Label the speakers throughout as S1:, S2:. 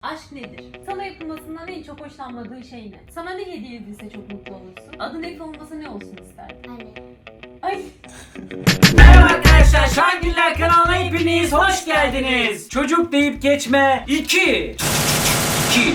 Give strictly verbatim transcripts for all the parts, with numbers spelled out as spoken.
S1: Aşk nedir? Sana yapılmasından en çok hoşlanmadığın şey ne? Sana ne hediye edilse çok mutlu olursun? Adın Efe olmasa ne olsun isterdin?
S2: Anne.
S1: Ay.
S3: Merhaba arkadaşlar, Şangiller kanalına hepiniz hoş geldiniz. Çocuk deyip geçme iki. iki.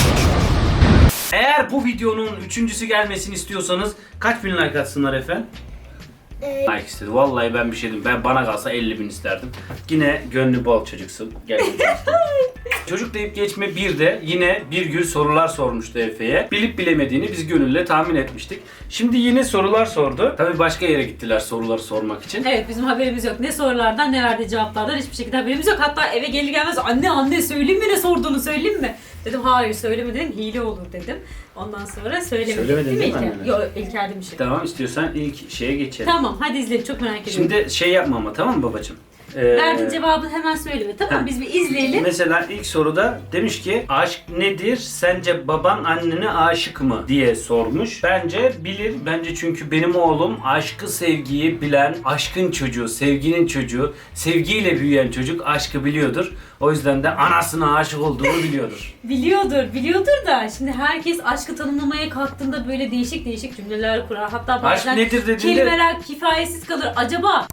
S3: Eğer bu videonun üçüncüsü gelmesini istiyorsanız kaç bin like atsınlar efendim?
S2: Ee,
S3: Like istedi. Vallahi ben bir şey dedim. Ben bana kalsa elli bin isterdim. Yine gönlü bol çocuksun. Gel. Çocuk deyip geçme bir de yine bir gün sorular sormuştu Efe'ye. Bilip bilemediğini biz gönülle tahmin etmiştik. Şimdi yine sorular sordu. Tabii başka yere gittiler soruları sormak için.
S4: Evet, bizim haberimiz yok. Ne sorulardan ne verdiği cevaplardan hiçbir şekilde haberimiz yok. Hatta eve gelir gelmez anne anne söyleyeyim mi ne sorduğunu söyleyeyim mi? Dedim hayır söyleme dedim, hile olur dedim. Ondan sonra söylemedim.
S3: Söylemedin değil mi
S4: İlker?
S3: annene?
S4: Yok, İlker demişim.
S3: Tamam, istiyorsan ilk şeye geçelim.
S4: Tamam hadi izleyelim, çok merak ediyorum.
S3: Şimdi şey yapma ama, tamam mı babacığım? Ee,
S4: Verdiğin cevabı hemen söyleme, tamam mı? Biz bir izleyelim.
S3: Mesela ilk soruda demiş ki aşk nedir? Sence baban annene aşık mı? diye sormuş. Bence bilir. Bence çünkü benim oğlum aşkı, sevgiyi bilen, aşkın çocuğu, sevginin çocuğu, sevgiyle büyüyen çocuk aşkı biliyordur. O yüzden de anasına aşık olduğunu biliyordur.
S4: Biliyordur, biliyordur da şimdi herkes aşkı tanımlamaya kalktığında böyle değişik değişik cümleler kurar. Hatta bazen
S3: Aşk nedir dediğinde...
S4: kelimeler kifayetsiz kalır. Acaba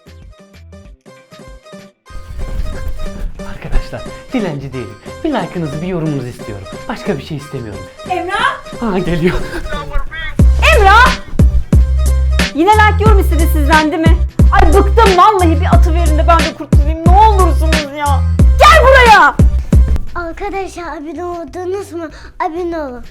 S5: Arkadaşlar dilenci değilim. Bir like'ınızı, bir yorumunuzu istiyorum. Başka bir şey istemiyorum.
S4: Emrah?
S5: Ha geliyor.
S6: Emrah! Yine like yorum istedi sizden değil mi? Ay bıktım vallahi, bir atı verin de ben de kurtulayım ne olursunuz ya. Gel buraya!
S2: Arkadaşlar abone oldunuz mu? Abone olun.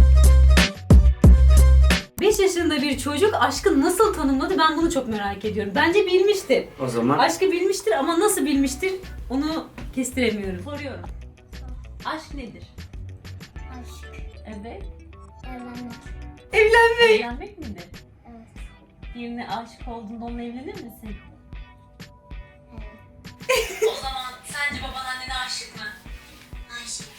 S4: beş yaşında bir çocuk aşkı nasıl tanımladı, ben bunu çok merak ediyorum. Bence bilmiştir.
S3: O zaman
S4: Aşkı bilmiştir ama nasıl bilmiştir onu kestiremiyorum. Soruyorum.
S1: Aşk nedir?
S2: Aşk.
S1: Evet.
S2: Evlenmek.
S4: Evlenmek.
S1: Evlenmek midir?
S2: Evet.
S1: Birine aşık olduğunda onunla evlenir misin?
S2: Evet.
S1: O zaman sence baban annene aşık mı?
S2: Aşk.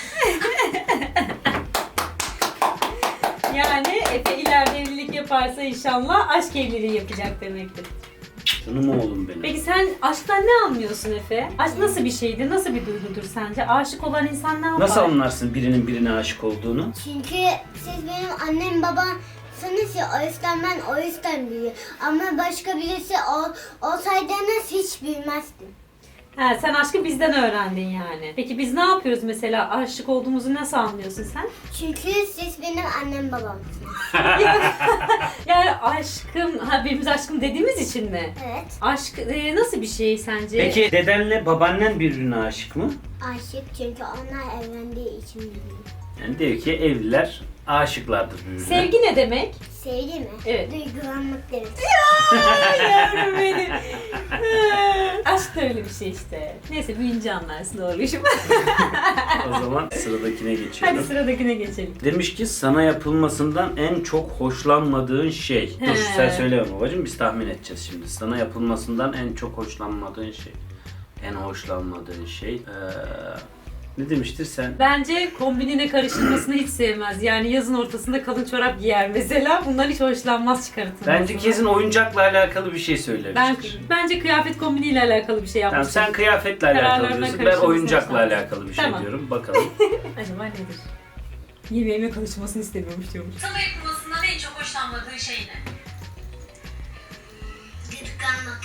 S4: Yani Efe ileride evlilik yaparsa inşallah aşk evliliği yapacak demektir.
S3: canım oğlum benim.
S4: Peki sen aşktan ne anlıyorsun Efe? Aşk nasıl bir şeydir? Nasıl bir duygudur sence? Aşık olan insan ne yapar?
S3: Nasıl anlarsın birinin birine aşık olduğunu?
S2: Çünkü siz benim annem babamsınız ya, o yüzden ben o yüzden büyüyorum. Ama başka birisi ol, olsaydınız hiç bilmezdim.
S4: Ha, sen aşkı bizden öğrendin yani. Peki biz ne yapıyoruz mesela? Aşık olduğumuzu nasıl anlıyorsun sen?
S2: Çünkü siz benim annem babamsınız.
S4: Yani aşkım, ha birimiz aşkım dediğimiz için mi?
S2: Evet.
S4: Aşk e, nasıl bir şey sence?
S3: Peki dedenle babaannen birbirine aşık mı?
S2: Aşık çünkü onlar evlendiği için biliyorum.
S3: Yani diyor ki evliler aşıklardır birbirine.
S4: Sevgi ne demek?
S2: Sevgi mi?
S4: Evet.
S2: Duygulanmak demek.
S4: Ay yavrum benim. Aşk da öyle bir şey işte. Neyse büyüyünce anlarsın, doğruyuşum.
S3: O zaman sıradakine
S4: Hadi
S3: geçiyorum.
S4: sıradakine geçelim.
S3: Demiş ki sana yapılmasından en çok hoşlanmadığın şey. Dur
S4: He.
S3: sen söyleme babacığım, biz tahmin edeceğiz şimdi. Sana yapılmasından en çok hoşlanmadığın şey. En hoşlanmadığın şey. Ee, ne demiştir sen?
S4: Bence kombinine karıştırmasını hiç sevmez. Yani yazın ortasında kalın çorap giyer mesela. Bundan hiç hoşlanmaz çıkartılmasına.
S3: Bence kesin oyuncakla alakalı bir şey
S4: Ben,
S3: söylemiştir.
S4: bence kıyafet kombiniyle alakalı bir şey
S3: Tamam,
S4: yapmıştır.
S3: sen kıyafetle alakalı
S4: Kararlarına
S3: diyorsun. Ben
S4: karışmasını
S3: oyuncakla
S4: hoşlanmaz.
S3: alakalı bir şey
S4: Tamam.
S3: diyorum. Bakalım.
S4: Acaba nedir? Yemeğime karışmasını istemiyormuş diyormuş.
S1: Sana yapılmasından en çok hoşlanmadığın şey ne?
S2: Gıdıklanmak.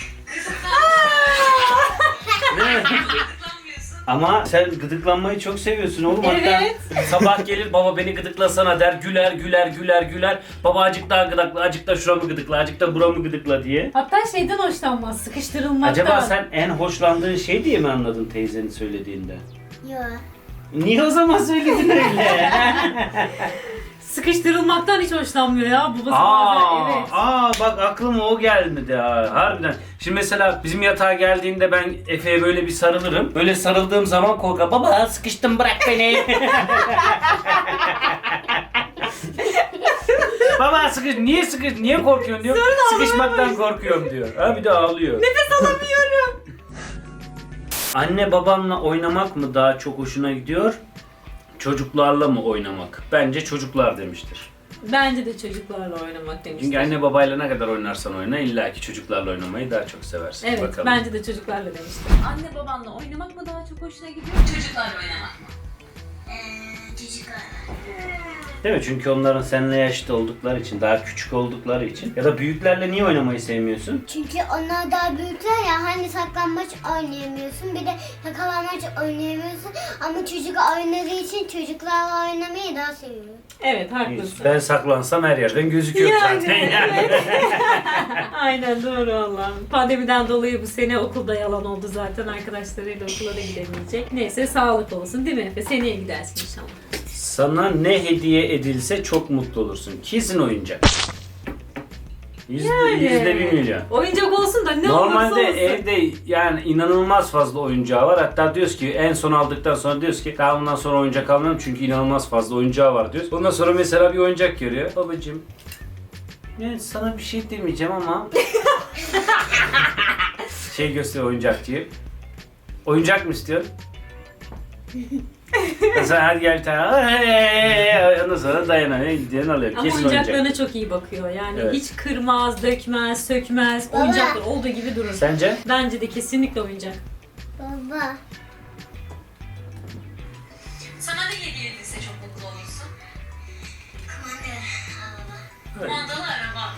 S1: Gıdıklanmıyorsun.
S3: Ama sen gıdıklanmayı çok seviyorsun oğlum.
S4: Evet.
S3: Hatta sabah gelir baba beni gıdıklasana der. Güler güler güler güler. Baba acık daha gıdıkla, acık da şuramı gıdıkla, acık da buramı gıdıkla diye.
S4: Hatta şeyden hoşlanmaz, sıkıştırılmaktan.
S3: Acaba sen en hoşlandığın şey diye mi anladın teyzenin söylediğinde?
S2: Yok.
S3: Niye o zaman söyledin öyle?
S4: Sıkıştırılmaktan hiç hoşlanmıyor ya. Babası
S3: aa,
S4: bazen evet.
S3: aa bak aklıma o gelmedi ha. Harbiden. Şimdi mesela bizim yatağa geldiğinde ben Efe'ye böyle bir sarılırım. Böyle sarıldığım zaman korkar. Baba sıkıştım bırak beni. Baba sıkış, niye sıkış, niye korkuyorsun diyor. Sıkışmaktan korkuyorum diyor. Ha bir de ağlıyor.
S4: Nefes alamıyorum.
S3: Anne babanla oynamak mı daha çok hoşuna gidiyor? Çocuklarla mı oynamak? Bence çocuklar demiştir.
S4: Bence de çocuklarla oynamak demişler.
S3: Çünkü anne babayla ne kadar oynarsan oyna illaki çocuklarla oynamayı daha çok seversin.
S4: Evet,
S3: Bakalım.
S4: bence de çocuklarla demişler.
S1: Anne babanla oynamak mı daha çok hoşuna gidiyor? Çocuklarla oynamak mı?
S3: Değil mi? Çünkü onların seninle yaşlı oldukları için, daha küçük oldukları için. Ya da büyüklerle niye oynamayı sevmiyorsun?
S2: Çünkü onlar daha büyükler ya, hani saklambaç oynayamıyorsun, bir de yakalanmaç oynayamıyorsun, ama çocuk oynadığı için çocuklarla oynamayı daha seviyor.
S4: Evet haklısın.
S3: Ben saklansam her yerden gözüküyor
S4: Yani,
S3: zaten yani.
S4: evet. Aynen doğru Allah'ım. Pandemiden dolayı bu sene okulda yalan oldu zaten. Arkadaşlarıyla okula da gidemeyecek. Neyse sağlık olsun değil mi Efe? Seneye gidersin inşallah.
S3: Sana ne hediye edilse çok mutlu olursun. Kesin oyuncak. Yüzde,
S4: Yani.
S3: yüzde bir milyon.
S4: Oyuncak olsun da ne
S3: Normalde
S4: olursa olsun.
S3: evde yani inanılmaz fazla oyuncağı var. Hatta diyoruz ki en son aldıktan sonra diyoruz ki daha bundan sonra oyuncak almam çünkü inanılmaz fazla oyuncağı var diyoruz. Ondan sonra mesela bir oyuncak görüyor. Babacığım yani sana bir şey demeyeceğim ama şey gösteriyor oyuncakçıyı. Oyuncak mı istiyorsun? Mesela hadi gel bir tane. Ondan sonra dayanamıyor. Gidiyorsun alıyor.
S4: Ama
S3: Kesin
S4: oyuncaklarına
S3: oyuncak.
S4: çok iyi bakıyor. Yani
S3: Evet.
S4: hiç kırmaz, dökmez, sökmez.
S2: Baba.
S4: Oyuncaklar olduğu gibi durur.
S3: Sence?
S4: Bence de kesinlikle oyuncak.
S2: Baba.
S1: Sana ne hediye edilse çok mutlu olursun? Kumandalı araba.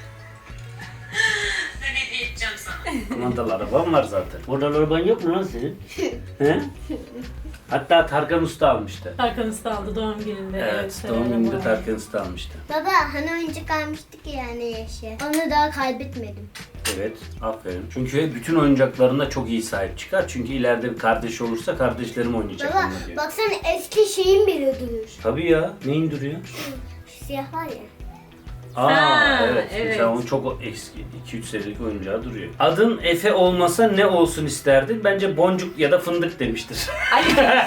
S1: Ben hediye edeceğim sana.
S3: Kumandalı araban var zaten. Oradan araban yok mu lan senin? He? Hatta Tarkan Usta almıştı.
S4: Tarkan Usta aldı doğum gününde.
S3: Evet,
S4: evet
S3: doğum gününde
S4: araba.
S3: Tarkan Usta almıştı.
S2: Baba, hani oyuncak almıştık ya yani yaşı. Onu daha kaybetmedim.
S3: Evet, aferin. Çünkü bütün oyuncaklarına çok iyi sahip çıkar. Çünkü ileride bir kardeş olursa kardeşlerim oynayacak
S2: Baba,
S3: onunla diyor.
S2: baksana eski şeyin bile duruyor.
S3: Tabii ya, neyin duruyor?
S2: Şu siyah var ya.
S3: Aa,
S4: Ha,
S3: evet.
S4: evet.
S3: Mesela onun çok eski, iki üç senelik oyuncağı duruyor. Adın Efe olmasa ne olsun isterdin? Bence boncuk ya da fındık demiştir.
S4: Ali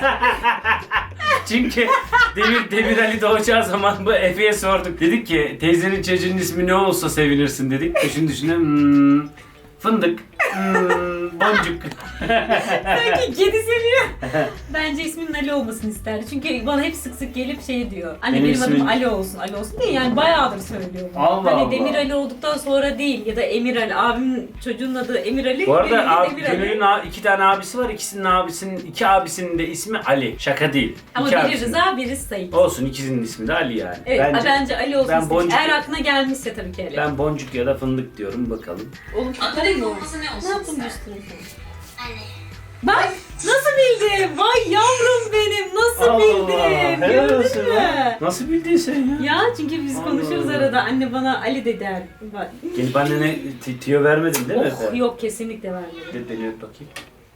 S3: Çünkü Demir, Demir Ali doğacağı zaman bu Efe'ye sorduk. Dedik ki teyzenin çocuğunun ismi ne olsa sevinirsin dedik. Düşün düşüne hmm, fındık, hmm, boncuk.
S4: sanki kedi seviyor. Bence isminin Ali olmasını isterdi. Çünkü bana hep sık sık gelip şey diyor. Anne
S3: Benim
S4: benim, adım
S3: ismim-
S4: Ali olsun. Ali olsun değil yani bayağıdır söylüyor. bunu.
S3: Allah
S4: hani
S3: Allah.
S4: Demir Ali olduktan sonra değil ya da Emir Ali. Abimin çocuğunun adı Emir Ali.
S3: Bu
S4: benim
S3: arada
S4: de
S3: abi,
S4: Demir Ali.
S3: Gönül'ün a- iki tane abisi var. İkisinin abisinin, iki abisinin de ismi Ali. Şaka değil.
S4: Ama
S3: İki
S4: biri
S3: abisinin.
S4: Rıza, biri Sait.
S3: Olsun, ikisinin ismi de Ali yani.
S4: Evet bence, bence Ali olsun
S3: ben
S4: istedim.
S3: boncuk-
S4: Eğer aklına gelmişse tabii ki Ali.
S3: Ben boncuk ya da fındık diyorum bakalım.
S4: Oğlum
S1: Adı
S4: çok
S1: ne
S4: mu?
S1: olması ne olsun
S4: Ne yaptın
S1: ister?
S4: düştün sen?
S2: Anne.
S4: Bak nasıl bildin? Vay yavrum benim nasıl bildin? Gördün mü?
S3: Nasıl bildin sen ya?
S4: Ya çünkü biz
S3: Allah
S4: konuşuruz
S3: Allah.
S4: arada. Anne bana Ali de der. Bak.
S3: Gelip annene t- tüyo vermedin değil mi
S4: Oh,
S3: Efe?
S4: yok kesinlikle vermedim.
S3: De deli öp bakayım.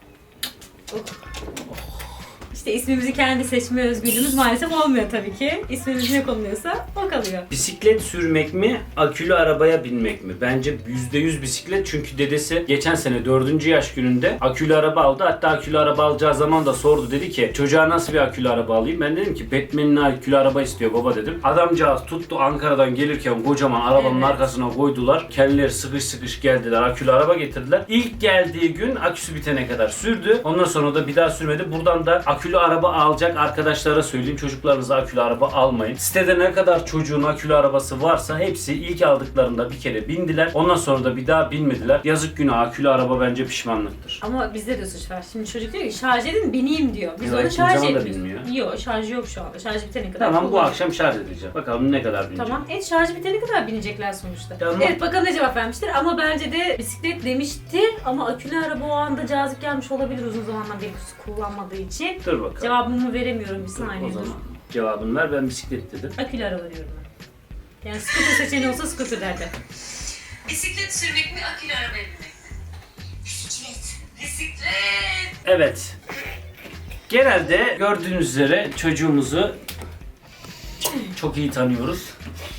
S4: İşte ismimizi kendi seçme özgürlüğümüz maalesef olmuyor tabii ki. İsmimiz ne konuluyorsa o kalıyor.
S3: Bisiklet sürmek mi, akülü arabaya binmek mi? Bence yüzde yüz bisiklet çünkü dedesi geçen sene dördüncü yaş gününde akülü araba aldı. Hatta akülü araba alacağı zaman da sordu, dedi ki çocuğa nasıl bir akülü araba alayım? Ben dedim ki Batman'in akülü araba istiyor baba dedim. Adamcağız tuttu, Ankara'dan gelirken kocaman arabanın
S4: Evet.
S3: arkasına koydular. Kendileri sıkış sıkış geldiler, akülü araba getirdiler. İlk geldiği gün aküsü bitene kadar sürdü. Ondan sonra da bir daha sürmedi. Buradan da akülü araba alacak arkadaşlara söyleyeyim, çocuklarınıza akülü araba almayın. Sitede ne kadar çocuğun akülü arabası varsa hepsi ilk aldıklarında bir kere bindiler. Ondan sonra da bir daha binmediler. Yazık günah, akülü araba bence pişmanlıktır.
S4: Ama bizde de suç var. Şimdi çocuk diyor ki şarj edin bineyim diyor. Biz
S3: Ya,
S4: onu
S3: hiçbir
S4: şarj
S3: zaman da
S4: etmiyoruz.
S3: bilmiyor.
S4: Yok şarjı yok şu anda. Şarj bitene kadar.
S3: Tamam, bu
S4: kullanıyor.
S3: akşam şarj edeceğim. Bakalım ne kadar binecek.
S4: Tamam. Evet şarjı bitene kadar binecekler sonuçta.
S3: Tamam.
S4: Evet bakalım ne cevap vermiştir ama bence de bisiklet demiştir ama akülü araba o anda cazip gelmiş olabilir uzun zamandan beri kullanmadığı için.
S3: Dur bakalım.
S4: Cevabımı veremiyorum bir
S3: Dur,
S4: saniye.
S3: o zaman
S4: dur.
S3: cevabını ver, ben bisiklet dedim.
S4: Akülü araba diyorum ben. Yani scooter seçeneği olsa scooter derdi.
S1: Bisiklet sürmek mi, akülü arabaya binmek mi?
S2: Bisiklet.
S1: Bisiklet.
S3: Evet. Genelde gördüğünüz üzere çocuğumuzu çok iyi tanıyoruz.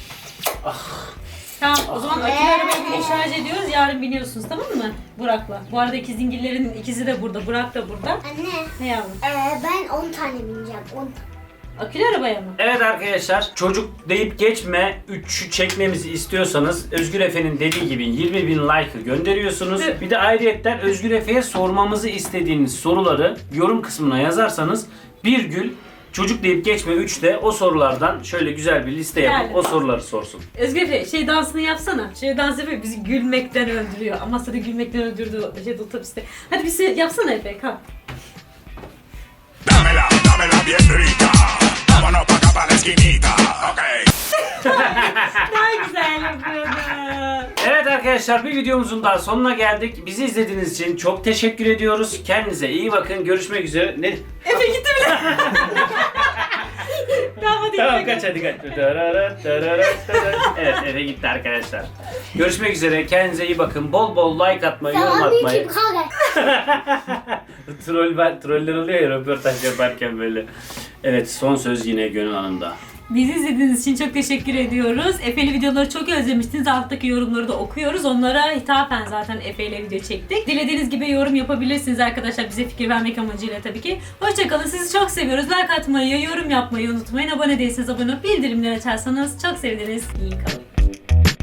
S4: Tamam o zaman akülü arabaya binip şarj ediyoruz. Yarın biniyorsunuz tamam mı? Burak'la. Bu arada ikizingillerin ikisi de burada. Burak da burada.
S2: Anne,
S4: Ne yavrum?
S2: ee, ben on tane bineceğim. on tane.
S4: Akülü arabaya mı?
S3: Evet arkadaşlar, çocuk deyip geçme üçü çekmemizi istiyorsanız Özgür Efe'nin dediği gibi yirmi bin like'ı gönderiyorsunuz.
S4: Evet.
S3: Bir de ayrıyetten Özgür Efe'ye sormamızı istediğiniz soruları yorum kısmına yazarsanız bir gül çocuk deyip geçme üçte o sorulardan şöyle güzel bir liste yapıp
S4: Yani.
S3: o soruları sorsun.
S4: Özgür Efe şey dansını yapsana. Şey dans yapıyor bizi gülmekten öldürüyor. Amasya'da gülmekten öldürdü şeyde otobüste. Hadi bir şey yapsana Efe kalk.
S7: Dámela, dámela bien rica. Vámonos pa' acá pa' la esquinita. Ok,
S3: arkadaşlar bir videomuzun daha sonuna geldik. Bizi izlediğiniz için çok teşekkür ediyoruz. Kendinize iyi bakın. Görüşmek üzere. Ne?
S4: Efe gitti bile. Tamam hadi.
S3: Tamam
S4: gidelim.
S3: kaç hadi kaç. Evet eve gitti arkadaşlar. Görüşmek üzere. Kendinize iyi bakın. Bol bol like atmayı, yorum
S2: Tamam
S3: atmayı.
S2: YouTube kalk.
S3: Troll ben, troller oluyor ya röportaj yaparken böyle. Evet son söz yine Gönül Hanım'da.
S4: Bizi izlediğiniz için çok teşekkür ediyoruz. Efe'li videoları çok özlemiştiniz. Alttaki yorumları da okuyoruz. Onlara hitaben zaten Efe ile video çektik. Dilediğiniz gibi yorum yapabilirsiniz arkadaşlar. Bize fikir vermek amacıyla tabii ki. Hoşçakalın. Sizi çok seviyoruz. Like atmayı, yorum yapmayı unutmayın. Abone değilseniz abone olup bildirimleri açarsanız çok seviniriz. İyi kalın.